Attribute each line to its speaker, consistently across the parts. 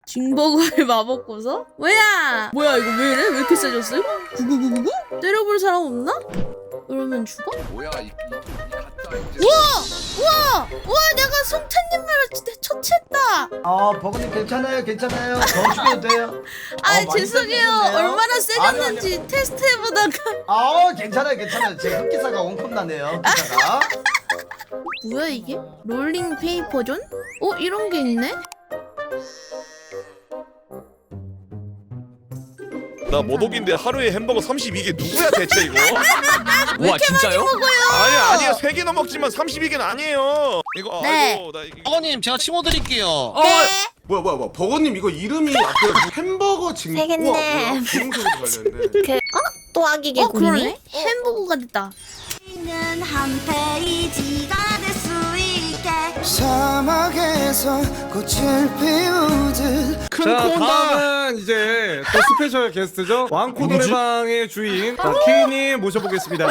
Speaker 1: 징버거의 마법고서? 뭐야? 뭐야 이거 왜 이래? 왜 이렇게 세졌어? 9999? 때려볼 사람 없나? 그러면 죽어?
Speaker 2: 뭐야 이 가짜 이제.
Speaker 1: 우와! 내가 송탄님을 처치했다!
Speaker 3: 버거님 괜찮아요 괜찮아요 더 죽여도 돼요.
Speaker 1: 아
Speaker 3: 많이
Speaker 1: 죄송해요.
Speaker 3: 세졌네요.
Speaker 1: 얼마나 세졌는지 테스트해보다가
Speaker 3: 괜찮아요 제 흑기사가 원컵 나네요 흑기사가.
Speaker 1: 뭐야 이게? 롤링 페이퍼존? 이런 게 있네?
Speaker 4: 나 모독인데 하루에 햄버거 32개 누구야 대체 이거?
Speaker 5: 와 진짜요?
Speaker 4: 아니야 3개나 먹지만 32개는 아니에요. 이거
Speaker 1: 네.
Speaker 4: 아이고 나 이거
Speaker 5: 버거님 제가 치워 드릴게요.
Speaker 1: 네.
Speaker 2: 뭐야 버거님 이거 이름이 앞에 햄버거 징.
Speaker 1: 세겠네.
Speaker 2: 비용소리 관련돼.
Speaker 6: 또 아기 개구리네?
Speaker 1: 그러네? 햄버거가 됐다.
Speaker 6: 한 페이지가 될 수 있게
Speaker 7: 사막에서 꽃을 피우듯
Speaker 8: 자 다음은 이제 또 스페셜 게스트죠. 왕코 노래방의 주인 K님 모셔보겠습니다.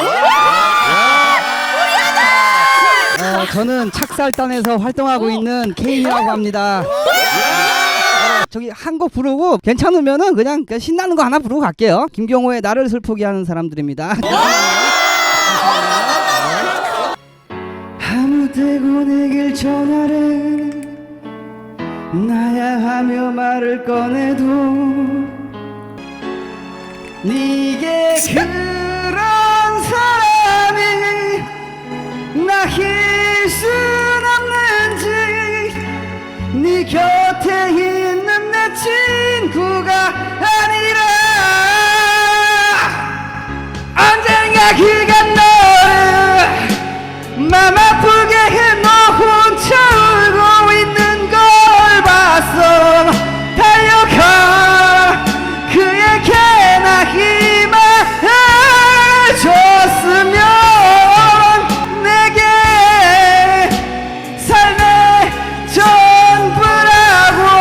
Speaker 9: 저는 착살단에서 활동하고 있는 K라고 합니다. 저기 한 곡 부르고 괜찮으면은 그냥 신나는 거 하나 부르고 갈게요. 김경호의 나를 슬프게 하는 사람들입니다. 아무 때고 내길 전화를 나야 하며 말을 꺼내도 네게 그런 사람이 나힐 순 없는지 네 곁에 있는 내 친구가 아니라 언젠가 그가 너를 맘 아프게 해 너 혼자 울고 있는 걸 봤어. 달려가 그에게 나 힘을 줬으면 내게 삶의 전부라고.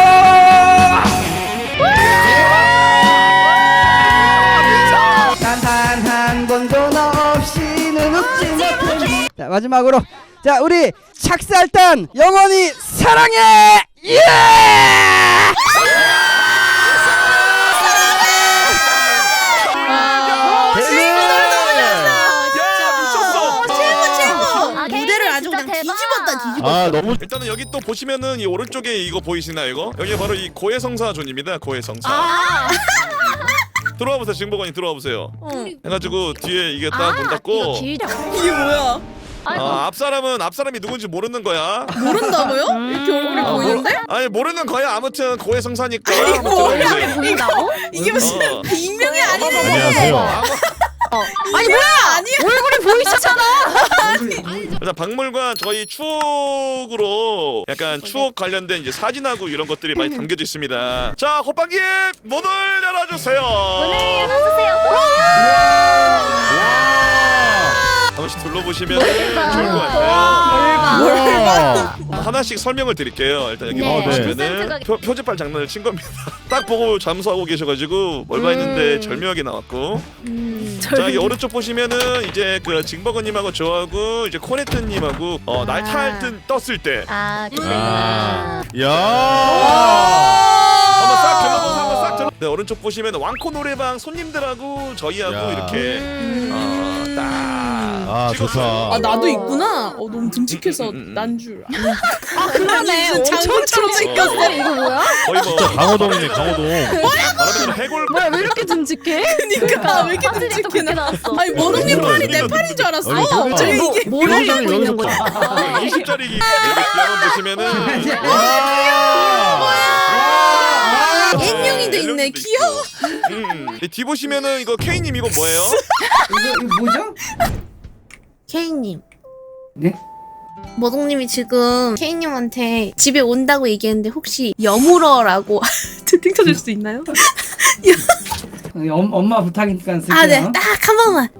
Speaker 9: 단 한 번도 너 없이는 웃지 못해. 자 마지막으로 자 우리 착살단 영원히 사랑해. 예!
Speaker 1: 무대를 아주 그냥 뒤집었다.
Speaker 4: 너무 일단은 여기 또 보시면은 이 오른쪽에 이거 보이시나요 이거? 여기 바로 이 고해성사 존입니다. 고해성사. 들어와 보세요. 징버거님 들어와 보세요. 해가지고 뒤에 이게 딱 문 닫고
Speaker 1: 이게 뭐야?
Speaker 4: 앞사람이 누군지 모르는 거야.
Speaker 1: 모른다고요? 이렇게 얼굴이 보이는데?
Speaker 4: 아니 모르는 거야. 아무튼 고해성사니까.
Speaker 1: 뭐야?
Speaker 6: 보인다고?
Speaker 1: 이게 무슨 익명이 아니네.
Speaker 4: 안녕하세요.
Speaker 1: 아니 뭐야? 아니야.
Speaker 6: 얼굴이 보이시잖아.
Speaker 4: 일단 박물관 저희 추억으로 약간 추억 관련된 이제 사진하고 이런 것들이 많이 담겨져 있습니다. 자, 호빵님 문을 열어주세요.
Speaker 6: 문을 열어주세요.
Speaker 4: 한 번씩 둘러보시면 좋을 것 같아요. 하나씩 설명을 드릴게요. 일단 여기 보시면은 표지판 장난을 친 겁니다. 딱 보고 잠수하고 계셔가지고 뭘봐 했는데 절묘하게 나왔고. 자 여기 오른쪽 보시면은 이제 그 징버거님하고 저하고 이제 코네트님하고 날탈 뜬 떴을 때
Speaker 6: 그때구나.
Speaker 4: 한번 싹 둘러보세요. 한번 싹 둘러. 네 오른쪽 보시면 왕코 노래방 손님들하고 저희하고 이렇게 딱
Speaker 5: 좋다.
Speaker 1: 나도 있구나. 너무 듬직해서 난 줄.
Speaker 6: 그러네.
Speaker 1: 장군처럼 생겼어.
Speaker 6: 이거 뭐야?
Speaker 4: 거의 뭐
Speaker 5: 강호동이네 강호동.
Speaker 4: 말하자면 해골.
Speaker 6: 뭐야 왜 이렇게 듬직해?
Speaker 1: 그니까 왜 이렇게 듬직해 나.
Speaker 6: 나왔어.
Speaker 1: 아니 모롱님 팔이 내 팔인 줄 알았어. 저기 이게
Speaker 6: 뭘 하려고 있는 거야?
Speaker 4: 20짜리 여기 뒤에 보시면은
Speaker 1: 앵룡이도 있네. 귀여워.
Speaker 4: 뒤 보시면은 이거 K님 이거 뭐예요?
Speaker 9: 이거 뭐죠?
Speaker 1: 케이님.
Speaker 9: 네?
Speaker 1: 모동님이 지금 케이님한테 집에 온다고 얘기했는데 혹시 여물어라고 채팅 쳐줄 수 있나요?
Speaker 9: 엄마 부탁이니까 쓸게요.
Speaker 1: 네. 딱 한 번만.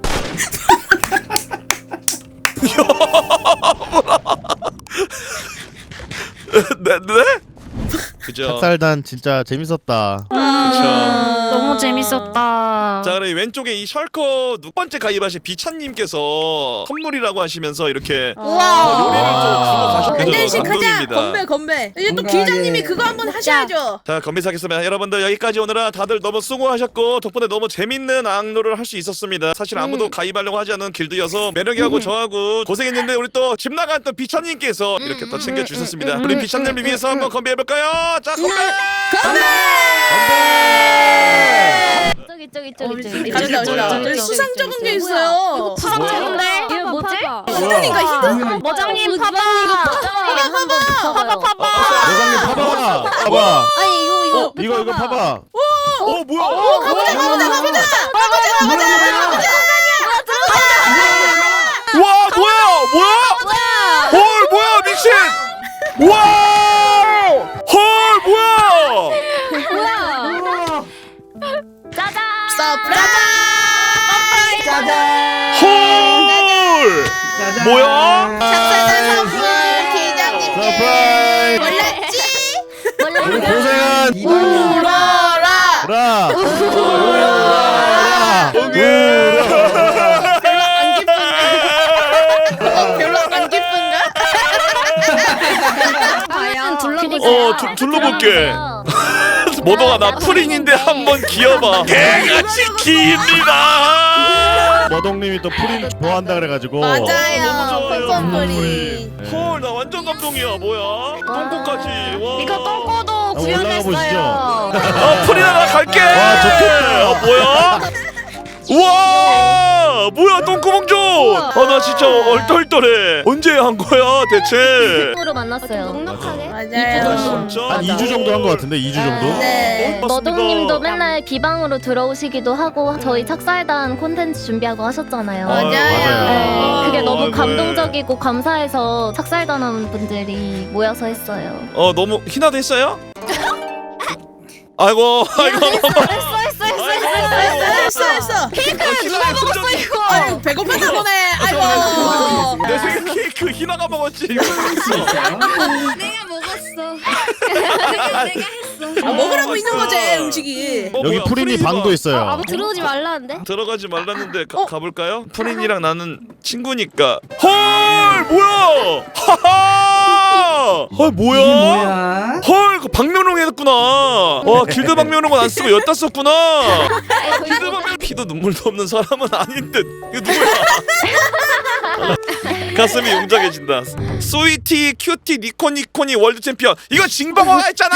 Speaker 4: 네? 그죠?
Speaker 10: 찹쌀단 진짜 재밌었다.
Speaker 6: 너무 재밌었다.
Speaker 4: 자, 그럼 왼쪽에 이 셜커 두 번째 가입하신 비찬님께서 선물이라고 하시면서 이렇게
Speaker 1: 우와.
Speaker 4: 요리를 좀 주고 가셨거든요.
Speaker 1: 밴드식 하자.
Speaker 4: 감동입니다.
Speaker 1: 건배. 이제 또
Speaker 9: 뭔가,
Speaker 1: 길장님이
Speaker 9: 예.
Speaker 1: 그거 한번 하셔야죠.
Speaker 4: 자, 건배사겠습니다. 여러분들 여기까지 오느라 다들 너무 수고하셨고 덕분에 너무 재밌는 악로를 할 수 있었습니다. 사실 아무도 가입하려고 하지 않은 길드여서 매력이하고 저하고 고생했는데 우리 또 집 나간 또 비찬님께서 이렇게 또 챙겨주셨습니다. 우리 비찬님을 위해서 한번 건배해볼까요? 자, 건배!
Speaker 6: 저기.
Speaker 1: 가져다. 저기 수상 적은 게 있어요.
Speaker 6: 수상 적은데? 이거 뭐지?
Speaker 1: 히든인가 히든?
Speaker 6: 머장님 파봐. 파봐.
Speaker 10: 여장님 봐봐.
Speaker 6: 아니
Speaker 10: 이거 봐봐.
Speaker 4: 뭐야?
Speaker 1: 가보자.
Speaker 4: 와, 뭐야? 헐, 뭐야? 미친! 와! 헐, 뭐야?
Speaker 6: 짜잔.
Speaker 9: 짜잔.
Speaker 4: 헐!
Speaker 9: 짜잔.
Speaker 4: 뭐야?
Speaker 1: 작사단 선물 길장님께
Speaker 10: 서프라이즈.
Speaker 1: 몰랐지?
Speaker 10: 우리 고생한
Speaker 1: 울어라. 별로 안 기쁜가?
Speaker 4: 둘러볼게. 모동아, 나 프린인데 한번 기어봐. 개같이 깁니다.
Speaker 10: 머동님이 또 프린 좋아한다 그래가지고.
Speaker 1: 맞아요. pompom프린.
Speaker 4: 헐, 나 완전 감동이야. 뭐야? 똥꼬까지. 와.
Speaker 6: 이거 똥꼬도
Speaker 10: 한번 올라가 보시죠.
Speaker 4: 아, 프린아, 나 갈게.
Speaker 10: 와, 좋겠다.
Speaker 4: 뭐야? 우와, 뭐야, 똥구멍존. 나 진짜 얼떨떨해. 언제 한 거야 대체?
Speaker 6: 으로 만났어요.
Speaker 1: 맞아요.
Speaker 4: 진짜?
Speaker 10: 한 2주 정도 한 것 같은데 2주 정도?
Speaker 1: 네.
Speaker 6: 머동님도 맨날 비방으로 들어오시기도 하고 저희 착살단 콘텐츠 준비하고 하셨잖아요.
Speaker 10: 맞아요.
Speaker 6: 네, 그게 너무
Speaker 4: 네.
Speaker 6: 감동적이고 감사해서 착살단원 분들이 모여서 했어요.
Speaker 4: 너무 희나도 했어요? 아이고.
Speaker 1: 했어.
Speaker 4: 누가 먹었어 이거?
Speaker 1: 아유 배고팠나 보네. 아이고.
Speaker 4: 내 생각 케이크 희나가 먹었지. 이거
Speaker 1: 먹으라고 있는 거지 음식이.
Speaker 10: 여기 프린이 방도 있어요.
Speaker 6: 들어오지 말라는데?
Speaker 4: 들어가지 말랐는데 가볼까요? 프린이랑 나는 친구니까. 헐, 뭐야? 하하. 헐, 뭐야? 헐, 그 박면홍 했구나. 와, 길드 박면홍은 안 쓰고 여따 썼구나. 길드 박면홍 피도 눈물도 없는 사람은 아닌 듯. 이거 누구야? 가슴이 웅장해진다. 스위티, 큐티, 니코니코니 월드 챔피언. 이거 징방화가 했잖아.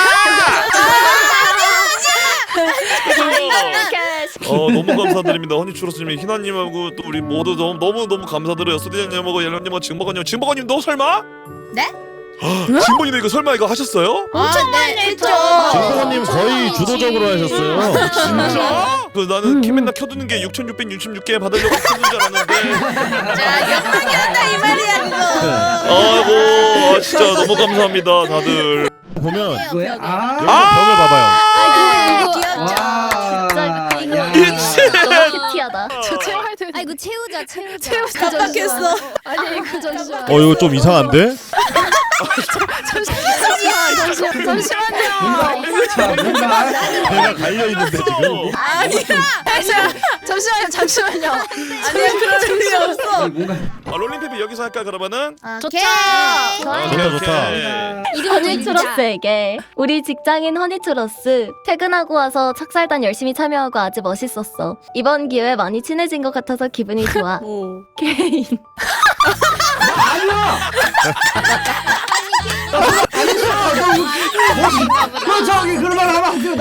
Speaker 4: 너무 감사드립니다. 허니추러스님, 희나님하고 또 우리 모두 너무 감사드려요. 수디장님하고 옐런님하고 징버거님. 징버거님 너 설마?
Speaker 1: 네?
Speaker 4: 징버님 이거 설마 이거 하셨어요?
Speaker 1: 엄청 많이 했죠.
Speaker 10: 진보님 거의 주도적으로 하셨어요.
Speaker 4: 진짜? 나는 캐맨나 켜두는 게 6,666개 받으려고 켜둔 줄 알았는데.
Speaker 1: 자 영광이란다 이 말이야 그거.
Speaker 4: 아이고, 진짜 너무 감사합니다 다들.
Speaker 10: 보면
Speaker 9: 뭐야?
Speaker 10: 여기 벽을 봐봐요.
Speaker 1: 귀엽죠.
Speaker 4: 미친.
Speaker 6: 너무 큐티하다.
Speaker 11: 저 채워야 돼. 아이고 채우자.
Speaker 1: 깜빡했어.
Speaker 11: 아니 그 잠시만.
Speaker 10: 이거 좀 이상한데?
Speaker 11: 잠시만요.
Speaker 9: 뭔가
Speaker 10: 내가 갈려 있는데 지금.
Speaker 1: 아니야.
Speaker 11: 잠시만요.
Speaker 1: 아니야 그럴 일이 없어.
Speaker 9: 뭔가
Speaker 4: 롤링페이 여기서 할까 그러면은?
Speaker 1: 오케이.
Speaker 10: 좋다.
Speaker 6: 허니추러스에게 우리 직장인 허니추러스 퇴근하고 와서 착살단 열심히 참여하고 아주 멋있었어. 이번 기회에 많이 친해진 것 같아서 기분이 좋아. 개인.
Speaker 9: 너 저기 그런 말 하면 안 돼.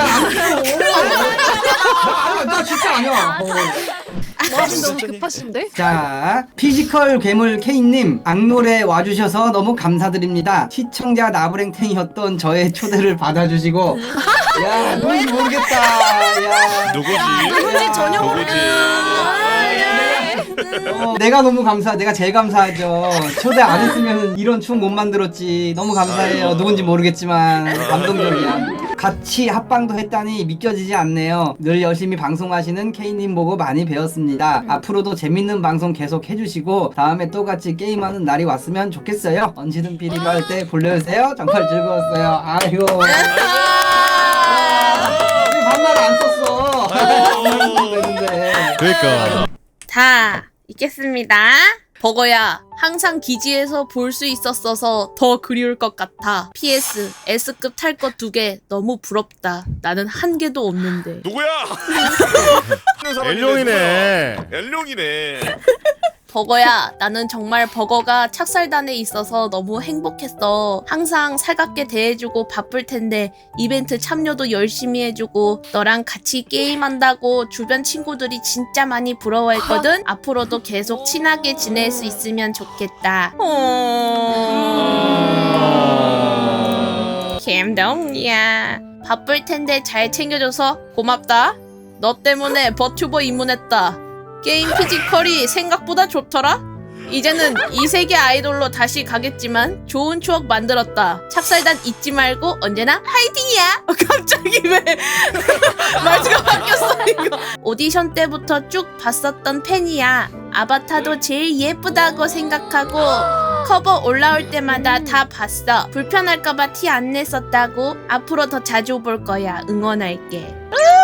Speaker 9: 나 진짜 아니야.
Speaker 11: 너무 급하신데?
Speaker 9: 자, 피지컬 괴물 K님 악놀에 와주셔서 너무 감사드립니다. 시청자 나부랭탱이었던 저의 초대를 받아주시고, 야 누군지 모르겠다. 야
Speaker 4: 누구지
Speaker 1: 전혀
Speaker 4: 누구지?
Speaker 9: 내가 너무 내가 제일 감사하죠. 초대 안 했으면 이런 춤 못 만들었지. 너무 감사해요. 누군지 모르겠지만 감동적이야. 같이 합방도 했다니 믿겨지지 않네요. 늘 열심히 방송하시는 K님 보고 많이 배웠습니다. 앞으로도 재밌는 방송 계속 해주시고 다음에 또 같이 게임하는 날이 왔으면 좋겠어요. 언제든 비리가 할 때 불러주세요. 정말 즐거웠어요. 아이고. 반말 안 썼어.
Speaker 10: 그러니까.
Speaker 1: 다 읽겠습니다. 버거야, 항상 기지에서 볼 수 있었어서 더 그리울 것 같아. PS, S급 탈 것 2개 너무 부럽다. 나는 한 개도 없는데.
Speaker 4: 누구야?
Speaker 10: 엘룡이네.
Speaker 4: 엘룡이네.
Speaker 1: 버거야, 나는 정말 버거가 착살단에 있어서 너무 행복했어. 항상 살갑게 대해주고 바쁠 텐데 이벤트 참여도 열심히 해주고 너랑 같이 게임한다고 주변 친구들이 진짜 많이 부러워했거든. 앞으로도 계속 친하게 지낼 수 있으면 좋겠다. 김동이야, 바쁠 텐데 잘 챙겨줘서 고맙다. 너 때문에 버튜버 입문했다. 게임 피지컬이 생각보다 좋더라? 이제는 이 세계 아이돌로 다시 가겠지만 좋은 추억 만들었다. 착살단 잊지 말고 언제나 화이팅이야! 갑자기 왜 말투가 바뀌었어 이거. 오디션 때부터 쭉 봤었던 팬이야. 아바타도 제일 예쁘다고 생각하고 커버 올라올 때마다 다 봤어. 불편할까봐 티 안 냈었다고. 앞으로 더 자주 볼 거야. 응원할게.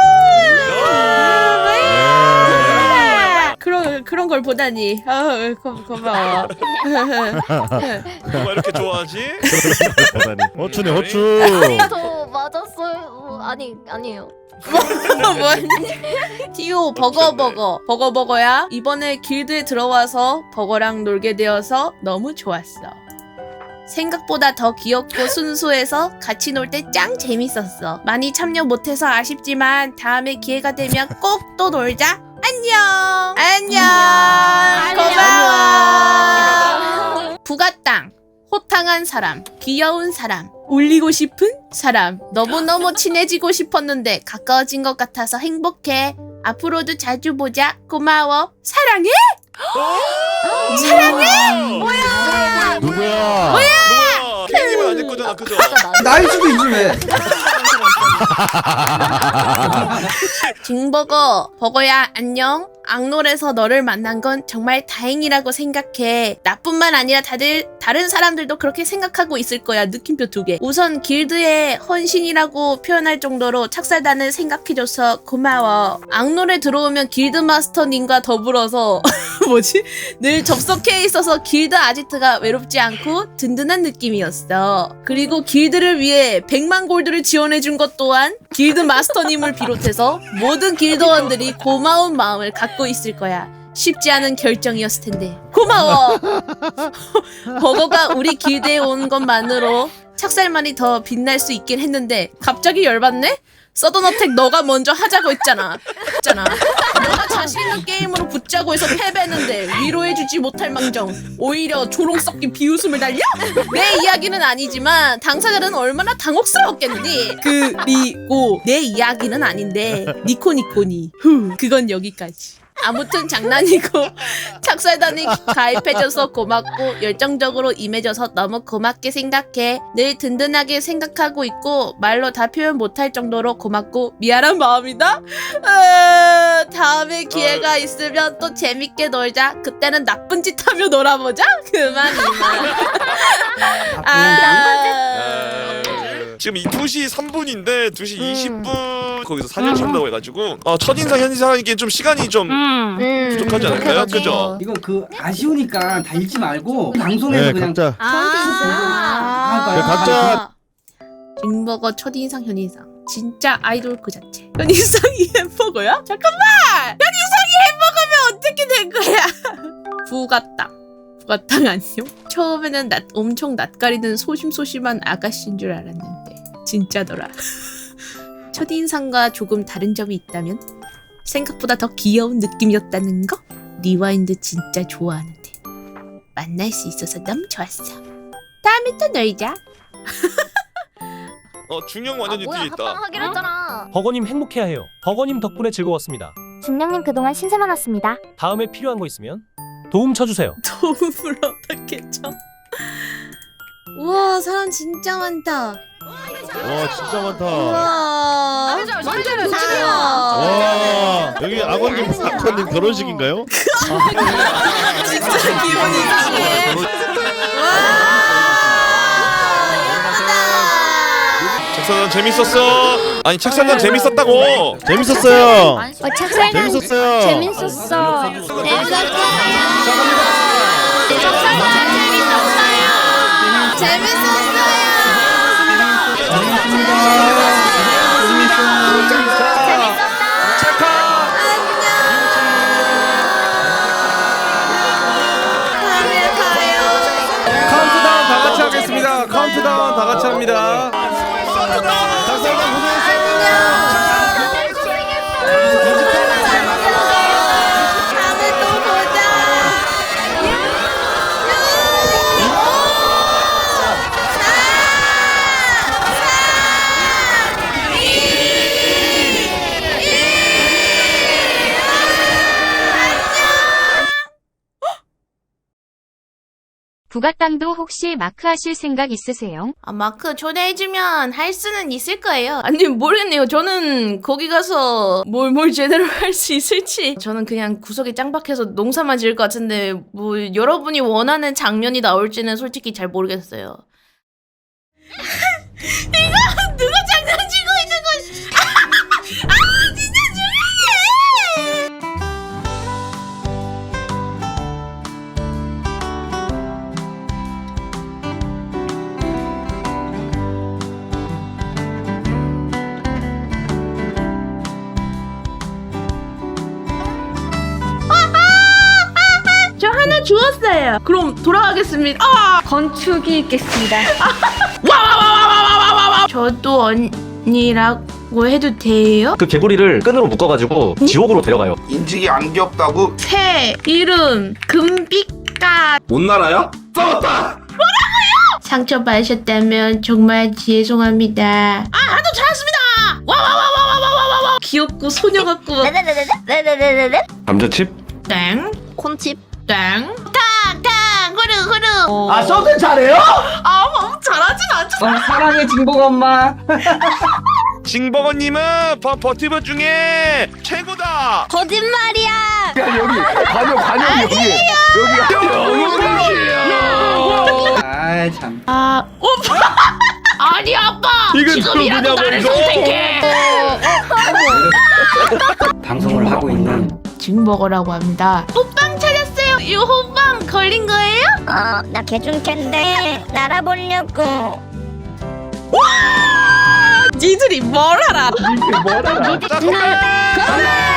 Speaker 1: 그런 걸 보다니. 고마워.
Speaker 4: 누가 이렇게 좋아하지?
Speaker 10: 어추네 어추.
Speaker 6: 아니 저 맞았어요. 아니에요.
Speaker 1: 티오 버거야. 이번에 길드에 들어와서 버거랑 놀게 되어서 너무 좋았어. 생각보다 더 귀엽고 순수해서 같이 놀 때 짱 재밌었어. 많이 참여 못해서 아쉽지만 다음에 기회가 되면 꼭 또 놀자. 안녕. 고마워. 부가땅. 호탕한 사람, 귀여운 사람, 울리고 싶은 사람. 너무너무 친해지고 싶었는데 가까워진 것 같아서 행복해. 앞으로도 자주 보자. 고마워. 사랑해? 사랑해? 뭐야?
Speaker 10: 누구야?
Speaker 4: 케이님은 아닐 거잖아, 그죠?
Speaker 3: 나일 수도 있지 왜?
Speaker 1: 버거야 안녕. 악놀에서 너를 만난 건 정말 다행이라고 생각해. 나뿐만 아니라 다른 사람들도 그렇게 생각하고 있을 거야. 느낌표 2개. 우선 길드의 헌신이라고 표현할 정도로 착살단을 생각해줘서 고마워. 악놀에 들어오면 길드 마스터님과 더불어서 늘 접속해 있어서 길드 아지트가 외롭지 않고 든든한 느낌이었어. 그리고 길드를 위해 100만 골드를 지원해준 것 또한 길드 마스터님을 비롯해서 모든 길드원들이 고마운 마음을 갖고 있을 거야. 쉽지 않은 결정이었을 텐데 고마워. 버거가 우리 길드에 온 것만으로 착살만이 더 빛날 수 있긴 했는데 갑자기 열받네? 서든어택 너가 먼저 하자고 했잖아. 너가 자신 있는 게임으로 붙자고 해서 패배했는데 위로해주지 못할 망정 오히려 조롱 섞인 비웃음을 날려? 내 이야기는 아니지만 당사자는 얼마나 당혹스러웠겠니? 그리고 내 이야기는 아닌데 니코니코니 그건 여기까지. 아무튼 장난이고 착살단이 가입해줘서 고맙고 열정적으로 임해줘서 너무 고맙게 생각해. 늘 든든하게 생각하고 있고 말로 다 표현 못할 정도로 고맙고 미안한 마음이다. 다음에 기회가 있으면 또 재밌게 놀자. 그때는 나쁜 짓 하며 놀아보자. 그만.
Speaker 4: 지금 2시 3분인데 2시 20분 거기서 사진 찍는다고 해가지고 첫인상 현인상이기엔 좀 시간이 좀 부족하지 않을까요? 그죠?
Speaker 9: 이거 아쉬우니까 다 읽지 말고 방송에서 그냥
Speaker 10: 각자.
Speaker 9: 각자.
Speaker 1: 징버거 첫인상 현인상 진짜 아이돌 그 자체. 현인상이 햄버거야? 잠깐만! 현인상이 햄버거면 어떻게 된 거야? 부가땅 안녕? 처음에는 엄청 낯가리는 소심소심한 아가씨인 줄 알았는데 진짜더라. 첫인상과 조금 다른 점이 있다면 생각보다 더 귀여운 느낌이었다는 거? 리와인드 진짜 좋아하는데 만날 수 있어서 너무 좋았어. 다음에 또 놀자.
Speaker 4: 중형 완전히 뒤에 있다.
Speaker 6: 합방하기로 했잖아.
Speaker 12: 버거님 행복해야 해요. 버거님 덕분에 즐거웠습니다.
Speaker 11: 중령님 그동안 신세 많았습니다.
Speaker 12: 다음에 필요한 거 있으면 도움 쳐주세요.
Speaker 1: 도움을 어떻게 쳐? 우와 사람 진짜 많다.
Speaker 10: 와 진짜 많다.
Speaker 1: 와.
Speaker 6: 만두를
Speaker 10: 와 여기 악어님 결혼식인가요?
Speaker 1: 진짜 기분 이상해.
Speaker 4: 책상전 재밌었어. 아니 책상전 재밌었다고.
Speaker 10: 재밌었어요.
Speaker 11: 착살단
Speaker 10: 재밌었어요.
Speaker 11: 재밌었어.
Speaker 8: 카운트다운 다 같이 하겠습니다. 카운트다운 다 같이 합니다. 작살단 고생했어요.
Speaker 11: 부가땅도 혹시 마크 하실 생각 있으세요?
Speaker 1: 아, 마크 초대해주면 할 수는 있을 거예요. 아니, 모르겠네요. 저는 거기 가서 뭘 제대로 할 수 있을지. 저는 그냥 구석에 짱박해서 농사만 지을 것 같은데, 뭐, 여러분이 원하는 장면이 나올지는 솔직히 잘 모르겠어요. 이거 누가 장난치고 있는 거지? 진짜 조용히 해! 저 하나 주웠어요. 그럼 돌아가겠습니다.
Speaker 11: 건축이 있겠습니다.
Speaker 1: 와와와와와와와와. 저도 언니라고 해도 돼요?
Speaker 12: 그 개구리를 끈으로 묶어가지고 지옥으로 데려가요.
Speaker 2: 인식이 안 귀엽다고?
Speaker 1: 새 이름 금빛가.
Speaker 2: 못 날아요? 싸웠다!
Speaker 1: 상처받으셨다면 정말 죄송합니다. 하도 잘했습니다. 와와와와와와와와. 귀엽고 소녀 같고.
Speaker 11: 네네네네네네네네.
Speaker 5: 감자칩?
Speaker 1: 땡.
Speaker 6: 콘칩.
Speaker 1: 땡. 탕탕 흐르.
Speaker 3: 아 서든 잘해요?
Speaker 1: 너무 잘하진 않죠.
Speaker 9: 사랑의 진복 엄마.
Speaker 4: 징버거님은 버티버 중에 최고다.
Speaker 6: 거짓말이야.
Speaker 9: 아이 참.
Speaker 1: 아니 아빠.
Speaker 4: 이건
Speaker 1: 지금이라도 나를
Speaker 4: 누구냐고, 이거?
Speaker 1: 선택해.
Speaker 9: 방송을 하고 있는
Speaker 1: 징버거라고 합니다. 호빵 찾았어요. 이 호빵 걸린 거예요?
Speaker 11: 나 개중캔데 날아보려고.
Speaker 1: 니들이 뭘 알아?
Speaker 4: 자,